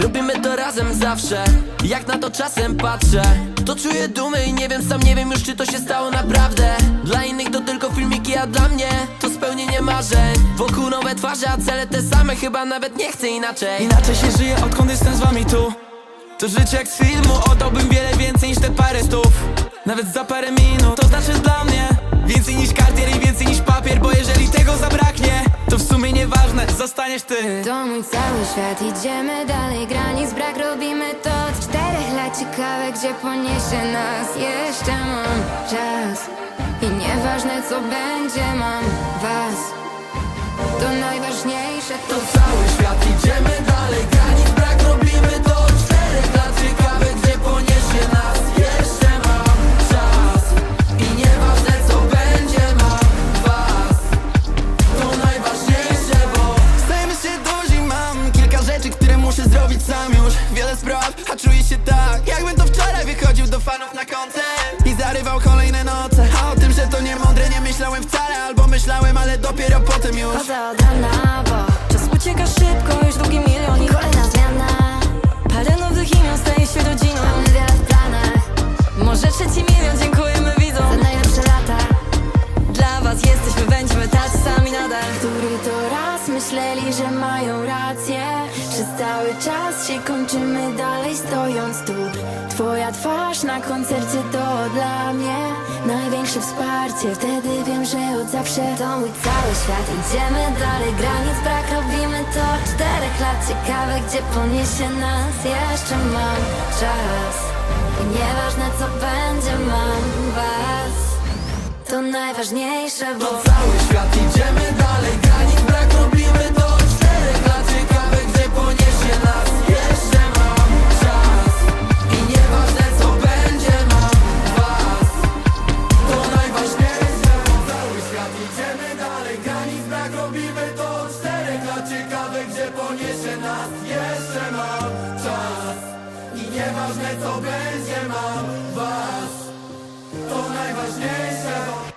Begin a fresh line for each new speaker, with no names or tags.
Robimy to razem zawsze. Jak na to czasem patrzę, to czuję dumę i nie wiem, sam nie wiem już, czy to się stało naprawdę. Dla innych to tylko filmiki, a dla mnie to spełnienie marzeń. Wokół nowe twarze, a cele te same, chyba nawet nie chcę inaczej.
Inaczej się żyje, odkąd jestem z wami tu. To życie jak z filmu, oddałbym wiele więcej niż te parę stów. Nawet za parę minut, to znaczy dla mnie więcej niż kartier i więcej niż papier. Bo jeżeli tego zabraknie, to w sumie nieważne, zostaniesz ty.
To mój cały świat, idziemy dalej, granic brak, robimy to od 4 lat. Ciekawe, gdzie poniesie nas, jeszcze mam czas. I nieważne co będzie, mam was. To najważniejsze, to
Cały świat, idziemy dalej, granic brak, robimy to od 4 lat. Ciekawe, gdzie poniesie nas, jeszcze mam czas. I nieważne co będzie, mam was. To najważniejsze, bo
Stajemy się duzi, mam kilka rzeczy, które muszę zrobić sam już. Wiele spraw, a czuję się tak, jakbym to wczoraj wychodził do fanów na koncert i zarywał kolejne noce. A o tym, że to nie mądre, nie myślałem wcale. Albo myślałem, ale dopiero potem już.
chodzę od rana, bo
Czas ucieka szybko, już drugi milion i
kolejna zmiana.
parę nowych imion staje się rodziną.
Mamy wiele w planach,
Może 3 milion, dziękujemy
za
widzom.
najlepsze lata.
Dla was jesteśmy, będziemy tacy sami nadal.
Który to raz myśleli, że mają rację. Przez cały czas się kończymy dalej stojąc tu. Twoja twarz na koncercie to dla mnie największe wsparcie. Wtedy wiem, że od zawsze to mój cały świat. Idziemy dalej, granic brak, robimy to od 4 lat. Ciekawe, gdzie poniesie nas, jeszcze mam czas. I nieważne co będzie, mam was. To najważniejsze, bo
cały świat, idziemy dalej, granic brak, robimy to od 4 lat. Ciekawe, gdzie poniesie nas, jeszcze mam czas. I nieważne co będzie, mam was. To najważniejsze, cały świat, idziemy dalej, granic brak, robimy to od 4 lat. Ciekawe, gdzie poniesie nas, jeszcze mam czas. I nieważne co będzie, mam was. To najważniejsze,